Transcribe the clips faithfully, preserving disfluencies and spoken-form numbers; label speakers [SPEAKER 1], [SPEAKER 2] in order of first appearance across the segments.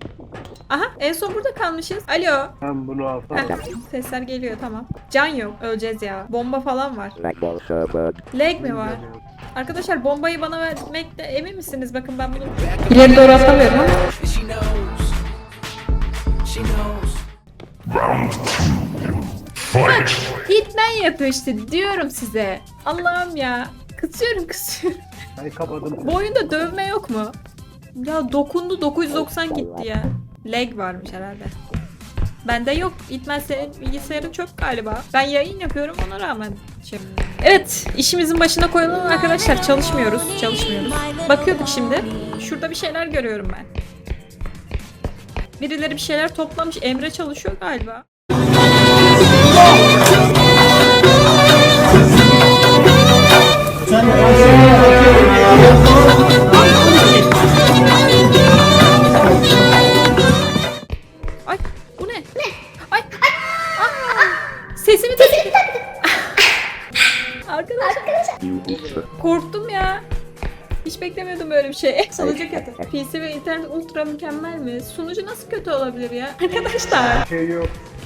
[SPEAKER 1] Aha en son burada kalmışız. Alo.
[SPEAKER 2] Ben bunu alsam.
[SPEAKER 1] Heh, sesler geliyor tamam. Can yok. Öleceğiz ya. Bomba falan var. Lag mi var? Arkadaşlar bombayı bana vermekte emin misiniz? Bakın ben bunu ileri doğru atamıyorum ama. Bak Hitman yapıyor işte diyorum size. Allah'ım ya. Kısıyorum kısıyorum.
[SPEAKER 2] Ben kapadım.
[SPEAKER 1] Bu oyunda dövme yok mu? Ya dokundu dokuz yüz doksan gitti ya. Lag varmış herhalde. Bende yok. Hitman senin bilgisayarın çok galiba. Ben yayın yapıyorum ona rağmen. Şey. Evet, işimizin başına koyulalım arkadaşlar. Çalışmıyoruz, çalışmıyoruz. Bakıyorduk şimdi. Şurada bir şeyler görüyorum ben. Birileri bir şeyler toplamış. Emre çalışıyor galiba. Ay, bu ne? Ne? Ay, ay. Aa, sesimi de... Arkadaşlar. Korktum ya. Hiç beklemiyordum böyle bir şey. Sunucu kötü. P C ve internet ultra mükemmel mi? Sunucu nasıl kötü olabilir ya? Arkadaşlar.
[SPEAKER 2] Bir şey yok.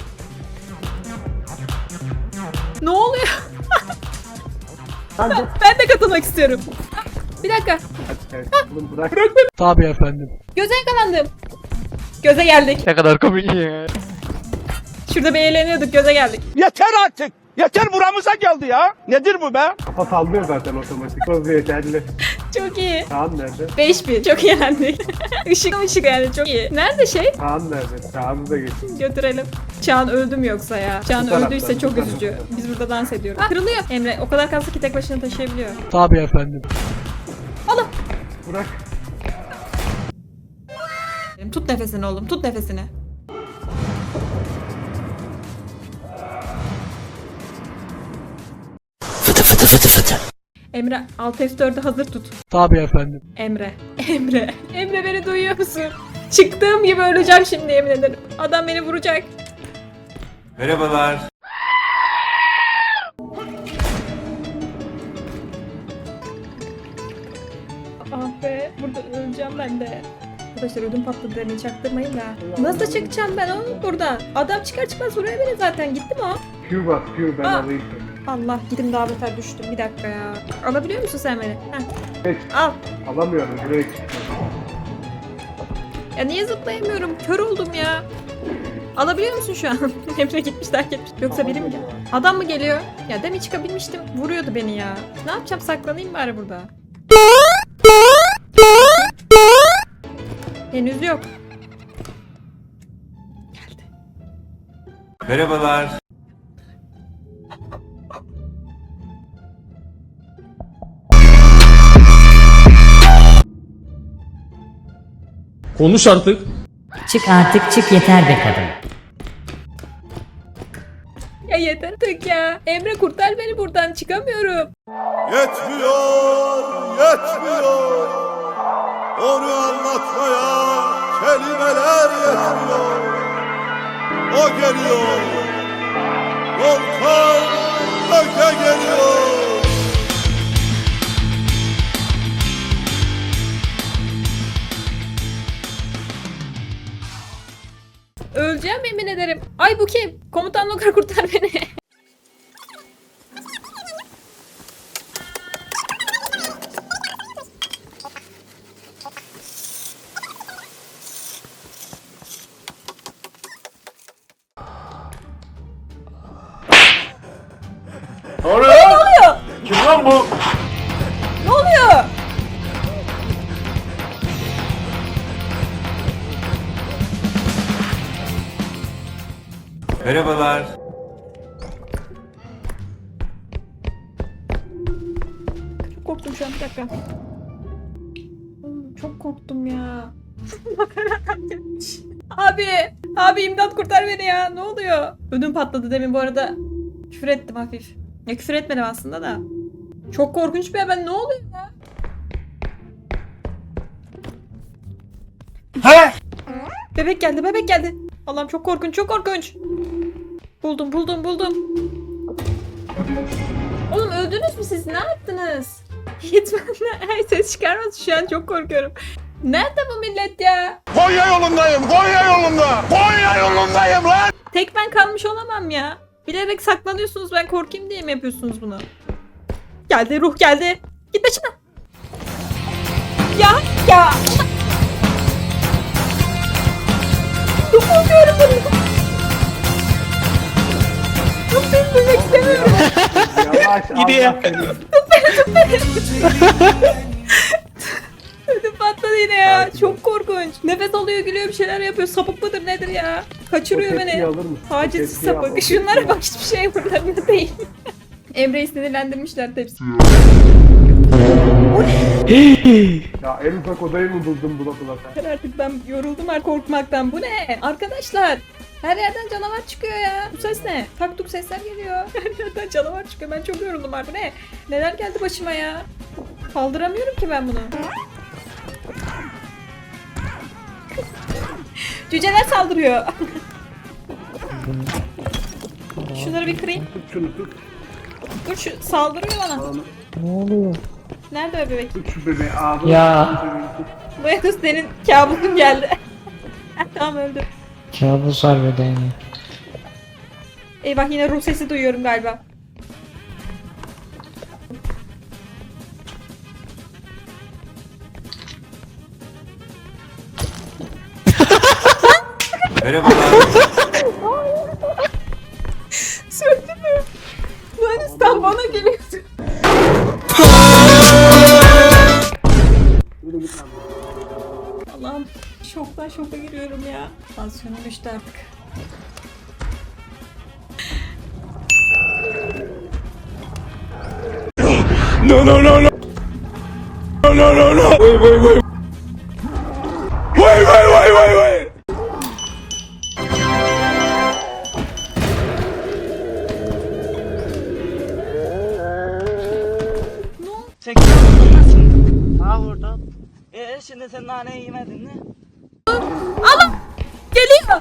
[SPEAKER 1] Ne oluyor?
[SPEAKER 2] Ben de...
[SPEAKER 1] Ben de katılmak istiyorum. Bir dakika.
[SPEAKER 2] Evet, oğlum bırak.
[SPEAKER 3] Tabii efendim.
[SPEAKER 1] Göze yakalandım. Göze geldik.
[SPEAKER 3] Ne kadar komik ya.
[SPEAKER 1] Şurada bir eğleniyorduk. Göze geldik.
[SPEAKER 4] Yeter artık. Yeter buramıza geldi ya. Nedir bu be?
[SPEAKER 2] Kafa sallıyor zaten otomatik. Hızlı yeterli.
[SPEAKER 1] Çok iyi.
[SPEAKER 2] Kaan nerede?
[SPEAKER 1] beş bin. Çok iyi yendik. Işık ışık yani çok iyi. Nerede şey?
[SPEAKER 2] Kaan nerede? Kaan'ı da getir.
[SPEAKER 1] Götürelim. Çağan öldü mü yoksa ya? Çağan
[SPEAKER 2] Bu taraftan,
[SPEAKER 1] öldüyse çok
[SPEAKER 2] bu
[SPEAKER 1] üzücü.
[SPEAKER 2] taraftan.
[SPEAKER 1] Biz burada dans ediyoruz. Ah, kırılıyor. Emre o kadar kaslı ki tek başına taşıyabiliyor.
[SPEAKER 3] Tabii efendim.
[SPEAKER 1] Allah.
[SPEAKER 2] Bırak.
[SPEAKER 1] Tut nefesini oğlum. Tut nefesini.
[SPEAKER 5] Fıtı fıtı fıtı fıtı.
[SPEAKER 1] Emre alt F dördü hazır tut.
[SPEAKER 3] Tabii efendim.
[SPEAKER 1] Emre. Emre. Emre beni duyuyor musun? Çıktığım gibi öleceğim şimdi yemin ederim. Adam beni vuracak.
[SPEAKER 6] Merhabalar.
[SPEAKER 1] Ah be. Burada öleceğim ben de. Arkadaşlar ödüm patladı demeyi çaktırmayın da. Nasıl çıkacağım ben oğlum buradan? Adam çıkar çıkmaz vuruyor beni zaten. Gitti mi o?
[SPEAKER 2] Q bas Q ben
[SPEAKER 1] Aa.
[SPEAKER 2] alayım.
[SPEAKER 1] Allah gidim daha beter düştüm. Bir dakika ya. Alabiliyor musun sen beni? Heh.
[SPEAKER 2] Geç.
[SPEAKER 1] Al.
[SPEAKER 2] Alamıyorum direkt.
[SPEAKER 1] Ya niye zıplayamıyorum? Kör oldum ya. Alabiliyor musun şu an? Emre gitmiş terk etmiş. Yoksa biri mi geldi? Adam mı geliyor? Ya demin çıkabilmiştim. Vuruyordu beni ya. Ne yapacağım? Saklanayım bari burada. Henüz yok. Geldi.
[SPEAKER 6] Merhabalar.
[SPEAKER 3] Konuş artık.
[SPEAKER 5] Çık artık çık yeter be kadın.
[SPEAKER 1] Ya yeter artık ya. Emre kurtar beni buradan. Çıkamıyorum.
[SPEAKER 4] Yetmiyor, yetmiyor. Onu anlatmaya kelimeler yetmiyor. O geliyor. Volkan öte geliyor.
[SPEAKER 1] Öleceğim yemin ederim. Ay bu kim? Komutan Lokar kurtar beni.
[SPEAKER 6] Ne oluyor?
[SPEAKER 1] Ne oluyor?
[SPEAKER 6] Kim lan bu?
[SPEAKER 1] Ne oluyor?
[SPEAKER 6] Merhabalar.
[SPEAKER 1] Çok korktum şu an bir dakika. Oğlum, çok korktum ya. Makaradan gelmiş. Abi, abi imdat kurtar beni ya. Ne oluyor? Ödüm patladı demin bu arada. Küfür ettim hafif. Ya küfür etmedim aslında da. Çok korkunç bir haber. Ne oluyor ya?
[SPEAKER 6] He?
[SPEAKER 1] Bebek geldi, bebek geldi. Allah'ım çok korkunç, çok korkunç. Buldum, buldum, buldum. Oğlum öldünüz mü siz? Ne yaptınız? Hitman'la her ses çıkarmaz. Şu an çok korkuyorum. Nerede bu millet ya?
[SPEAKER 4] Konya yolundayım, Konya yolunda. Konya yolundayım lan.
[SPEAKER 1] Tek ben kalmış olamam ya. Bilerek saklanıyorsunuz, ben korkayım diye mi yapıyorsunuz bunu? Geldi, ruh geldi. Git başına. Ya ya. Dokunmuyorum bunu. Yok ben demek istemiyorum.
[SPEAKER 2] Yavaş
[SPEAKER 3] Gidiyor.
[SPEAKER 2] Allah seni.
[SPEAKER 1] Ödüm patladı yine ya. Çok korkunç. Nefes alıyor, gülüyor, bir şeyler yapıyor. Sapık mıdır nedir ya? Kaçırıyor
[SPEAKER 2] O tepkiyi
[SPEAKER 1] beni.
[SPEAKER 2] alır mısın? O
[SPEAKER 1] Taciz
[SPEAKER 2] tepkiyi al, o
[SPEAKER 1] sapık.
[SPEAKER 2] tepkiyi
[SPEAKER 1] Şunlara
[SPEAKER 2] al.
[SPEAKER 1] bak, hiçbir şey buralarında değil. Emre'yi sinirlendirmişler tepsi.
[SPEAKER 2] Ya en ufak odayı mı buldun bula bula sen?
[SPEAKER 1] Yeter artık, ben yoruldum artık korkmaktan. Bu ne? Arkadaşlar, her yerden canavar çıkıyor ya. Bu ses ne? Tak tuk sesler geliyor. Her yerden canavar çıkıyor. Ben çok yoruldum artık. Bu ne? Neler geldi başıma ya? Kaldıramıyorum ki ben bunu. Cüceler saldırıyor. Şunları bir kırayım.
[SPEAKER 2] Tut şunu tut.
[SPEAKER 1] Dur, şu saldırıyor bana.
[SPEAKER 2] Onu,
[SPEAKER 1] Nerede o bebek?
[SPEAKER 2] tut şu bebeği ağzına.
[SPEAKER 5] Ya.
[SPEAKER 2] tut şu bebeği, tut.
[SPEAKER 1] Bu yakız senin kabusun geldi. Tamam, öldü.
[SPEAKER 5] Kabus harbiden ya.
[SPEAKER 1] Eyvah, yine ruh sesi duyuyorum galiba.
[SPEAKER 6] Merhabalar.
[SPEAKER 1] Söndü mü? Yunanistan bana geliyordu.
[SPEAKER 2] Yürü git lan.
[SPEAKER 1] Allah'ım, şoktan şoka giriyorum ya. Tansiyonum düştü artık.
[SPEAKER 4] No no no no. No no no no. Wait wait wait. Wait wait wait wait wait.
[SPEAKER 7] Sen kimsin? Ha orada. Ee şimdi sen nane yemedin mi?
[SPEAKER 1] Allah! Geliyor!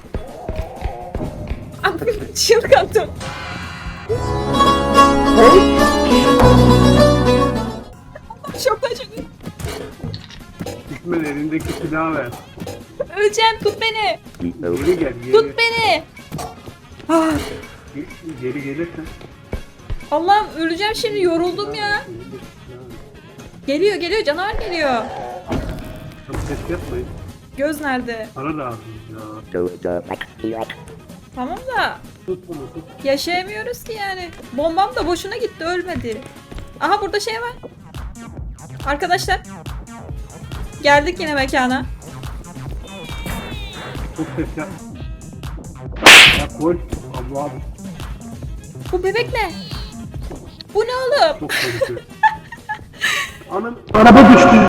[SPEAKER 1] Abi, çılgındım. Şoktan şoka.
[SPEAKER 2] Gitme de elindeki silahı ver.
[SPEAKER 1] Öleceğim, tut beni.
[SPEAKER 2] Geri gel geri.
[SPEAKER 1] Tut beni. Ah,
[SPEAKER 2] Geri, geri gelirsen.
[SPEAKER 1] Allah'ım, öleceğim şimdi, yoruldum ya. Geliyor geliyor, canavar geliyor.
[SPEAKER 2] Çok ses yapmayın.
[SPEAKER 1] Göz nerede?
[SPEAKER 2] Para lazım ya.
[SPEAKER 1] Tamam da
[SPEAKER 2] Tut bunu tut.
[SPEAKER 1] yaşayamıyoruz ki yani. Bombam da boşuna gitti, ölmedi. Aha, burada şey var. Arkadaşlar. Geldik yine mekana.
[SPEAKER 2] Çok ses yap. Ya koy. Allah'ım.
[SPEAKER 1] Bu bebek ne? Bu ne oğlum?
[SPEAKER 2] Çok tehlikeli. Anam. Araba düştü.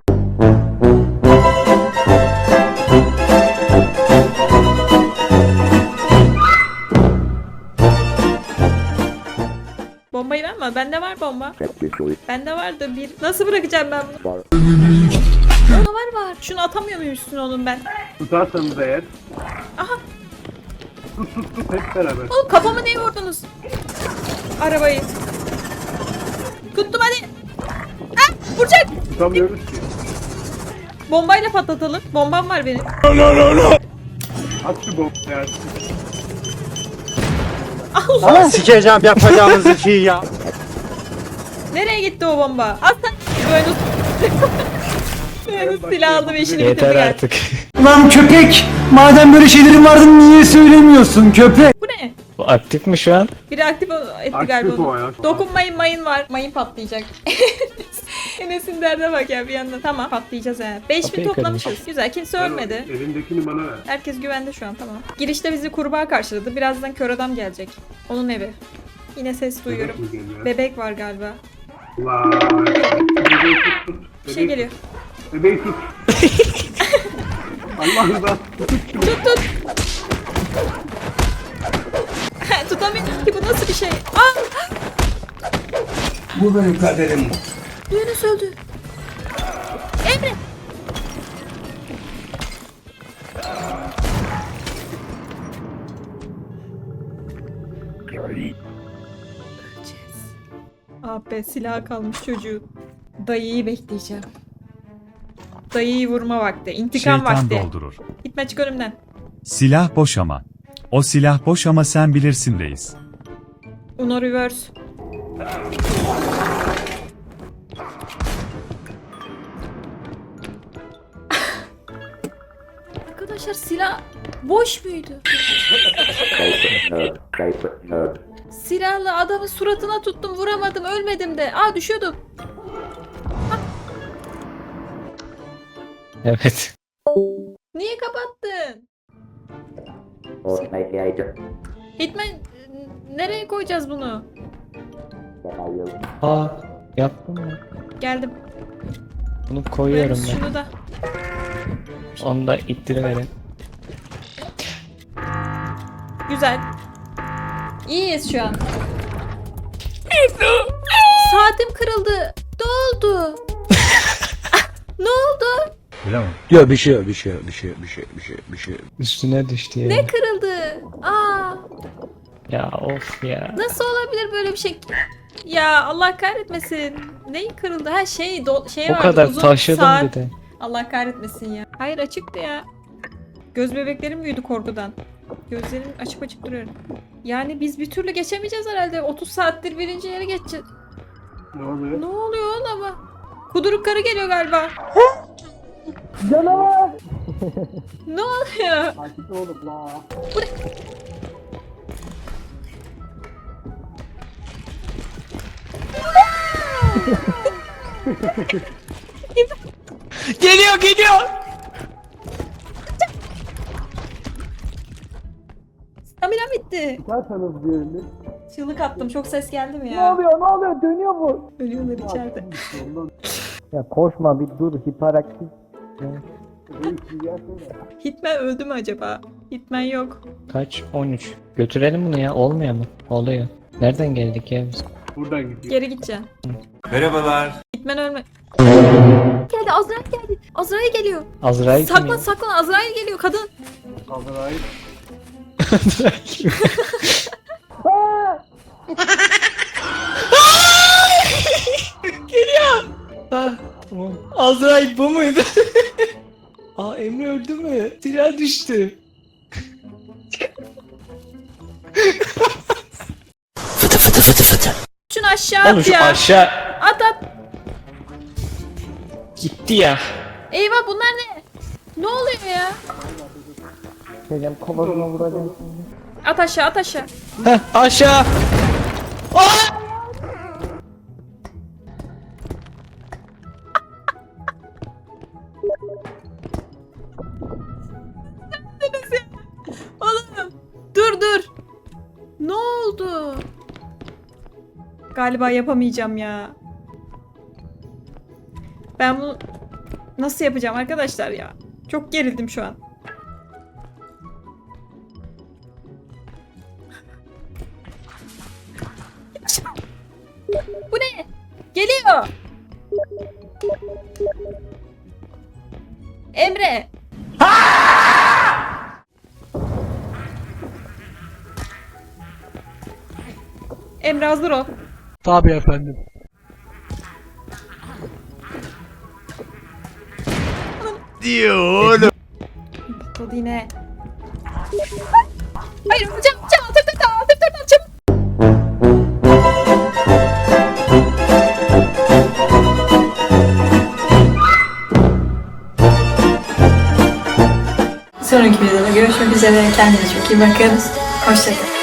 [SPEAKER 1] Bombayı verme. Bende var bomba. Bende vardı bir. Nasıl bırakacağım ben bunu? Ona var var. Şunu atamıyor muyum üstüne onun ben?
[SPEAKER 2] Tutarsanız eğer.
[SPEAKER 1] Aha.
[SPEAKER 2] Tut tut tut hep beraber.
[SPEAKER 1] Oğlum, kafama niye vurdunuz? Arabayı. Tuttum, hadi. Ah, vuracak.
[SPEAKER 2] Tutamıyoruz ki.
[SPEAKER 1] Bombayla patlatalım. Bombam var benim.
[SPEAKER 4] No no no no.
[SPEAKER 2] At şu bombayı ya.
[SPEAKER 1] Allah.
[SPEAKER 7] Sikeceğim yapacağınız işi ya.
[SPEAKER 1] Nereye gitti o bomba? Al sen. Böyle Böyle silah aldım, işini bitirdi
[SPEAKER 5] Yeter
[SPEAKER 1] gel.
[SPEAKER 5] artık.
[SPEAKER 8] Lan köpek! Madem böyle şeylerin vardı niye söylemiyorsun köpek?
[SPEAKER 1] Bu ne?
[SPEAKER 5] Bu aktif mi şu an?
[SPEAKER 1] Biri aktif etti
[SPEAKER 2] Aktif
[SPEAKER 1] galiba
[SPEAKER 2] o
[SPEAKER 1] onu.
[SPEAKER 2] ya.
[SPEAKER 1] Dokunmayın, mayın var. Mayın patlayacak. Enes'in derde bak ya bir yandan. Tamam, patlayacağız he. beş bin
[SPEAKER 5] Kapıyı
[SPEAKER 1] toplamışız. Güzel, kimse
[SPEAKER 2] Ver o
[SPEAKER 1] ölmedi.
[SPEAKER 2] Elindekini bana ver.
[SPEAKER 1] Herkes güvende şu an, tamam. Girişte bizi kurbağa karşıladı. Birazdan kör adam gelecek. Onun evi. Yine ses duyuyorum.
[SPEAKER 2] Bebek mi geliyor?
[SPEAKER 1] Bebek var galiba.
[SPEAKER 2] Vay. Bebeği tut tut.
[SPEAKER 1] Bir şey geliyor.
[SPEAKER 2] Bebeği tut. Allah rızası tut şunu.
[SPEAKER 1] Tut tut. Tutamıyorum ki, bu nasıl bir şey? Aa!
[SPEAKER 4] Bu benim kaderim.
[SPEAKER 1] Yunus öldü. Emre. Öleceğiz. Ah be, silah kalmış çocuğu. Dayıyı bekleyeceğim. dayıyı vurma vakti. İntikam
[SPEAKER 9] Şeytan
[SPEAKER 1] vakti.
[SPEAKER 9] doldurur.
[SPEAKER 1] Gitme çık önümden.
[SPEAKER 9] Silah boş ama. O silah boş ama sen bilirsin reis.
[SPEAKER 1] Uno reverse. Arkadaşlar silah boş muydu? Silahla adamın suratına tuttum, vuramadım, ölmedim de. Aa düşüyordum.
[SPEAKER 5] Evet.
[SPEAKER 1] Niye kapattın? Hitman nereye koyacağız bunu?
[SPEAKER 5] Aa yaptım mı?
[SPEAKER 1] Geldim.
[SPEAKER 5] Bunu koyuyorum
[SPEAKER 1] Böyle
[SPEAKER 5] ben.
[SPEAKER 1] şunu da.
[SPEAKER 5] Onu da ittiriverin.
[SPEAKER 1] Güzel. İyiyiz şu an. Saatim kırıldı. Ne oldu? Ne oldu?
[SPEAKER 4] Ya bir şey bir şey bir şey bir şey bir şey bir şey.
[SPEAKER 5] Üstüne düştü ya.
[SPEAKER 1] Ne kırıldı? Aa,
[SPEAKER 5] Ya of ya.
[SPEAKER 1] nasıl olabilir böyle bir şey? Ya Allah kahretmesin. Neyi kırıldı? Ha şey do şey
[SPEAKER 5] O
[SPEAKER 1] vardı,
[SPEAKER 5] kadar
[SPEAKER 1] uzun
[SPEAKER 5] taşıdım
[SPEAKER 1] saat.
[SPEAKER 5] bir de.
[SPEAKER 1] Allah kahretmesin ya. Hayır açıktı ya. Göz bebeklerim büyüdü korkudan. Gözlerim açık açık duruyorum. Yani biz bir türlü geçemeyeceğiz herhalde. otuz saattir birinci yere geçeceğiz.
[SPEAKER 2] Ne oluyor?
[SPEAKER 1] Ne oluyor oğlum ama? Kuduruk karı geliyor galiba.
[SPEAKER 2] Canavar!
[SPEAKER 1] Ne oluyor?
[SPEAKER 2] Sakin oğlum la.
[SPEAKER 5] Geliyor geliyor.
[SPEAKER 1] Staminam bitti.
[SPEAKER 2] Çıkarsanız bir yerini.
[SPEAKER 1] Çığlık attım. Çok ses geldi mi
[SPEAKER 2] Ne
[SPEAKER 1] ya?
[SPEAKER 2] oluyor ne oluyor dönüyor bu.
[SPEAKER 1] Ölüyorlar içeride.
[SPEAKER 2] Ondan
[SPEAKER 5] Ya koşma bir dur hiperaktif.
[SPEAKER 2] reis bir gelsene.
[SPEAKER 1] Hitman öldü mü acaba? Hitman yok.
[SPEAKER 5] Kaç? on üç. Götürelim bunu ya olmuyor mu? Oluyor. Nereden geldik ya biz?
[SPEAKER 2] Buradan gidiyor.
[SPEAKER 1] Geri gideceksin.
[SPEAKER 6] Merhabalar.
[SPEAKER 1] Hitman ölme. Geldi Azrail geldi. Azrail geliyor.
[SPEAKER 5] Azrail kim
[SPEAKER 1] Saklan
[SPEAKER 5] ya?
[SPEAKER 1] saklan Azrail geliyor kadın.
[SPEAKER 2] Azrail.
[SPEAKER 5] Ah, tamam. Azrail bu muydu? Aa Emre öldü mü? Silah düştü.
[SPEAKER 1] Şunu aşağı
[SPEAKER 5] Oğlum
[SPEAKER 1] at
[SPEAKER 5] şu
[SPEAKER 1] ya.
[SPEAKER 5] aşağı
[SPEAKER 1] At at.
[SPEAKER 5] gitti ya.
[SPEAKER 1] Eyvah bunlar ne? Ne oluyor ya?
[SPEAKER 5] Şeyden kovasına vuracağım.
[SPEAKER 1] At aşağı at aşağı.
[SPEAKER 5] Heh aşağı. Aa!
[SPEAKER 1] Oğlum dur dur. Ne oldu? Galiba yapamayacağım ya. Ben bunu nasıl yapacağım arkadaşlar ya? Çok gerildim şu an. Bu ne? Geliyor. Emre. Emre hazır ol.
[SPEAKER 3] Tabii efendim.
[SPEAKER 1] Patladı yine. Hayır hocam hocam altır tırtan altır tırtan çabuk. Sonraki videoda görüşmek üzere. Kendinize çok iyi bakın. Hoşçakalın.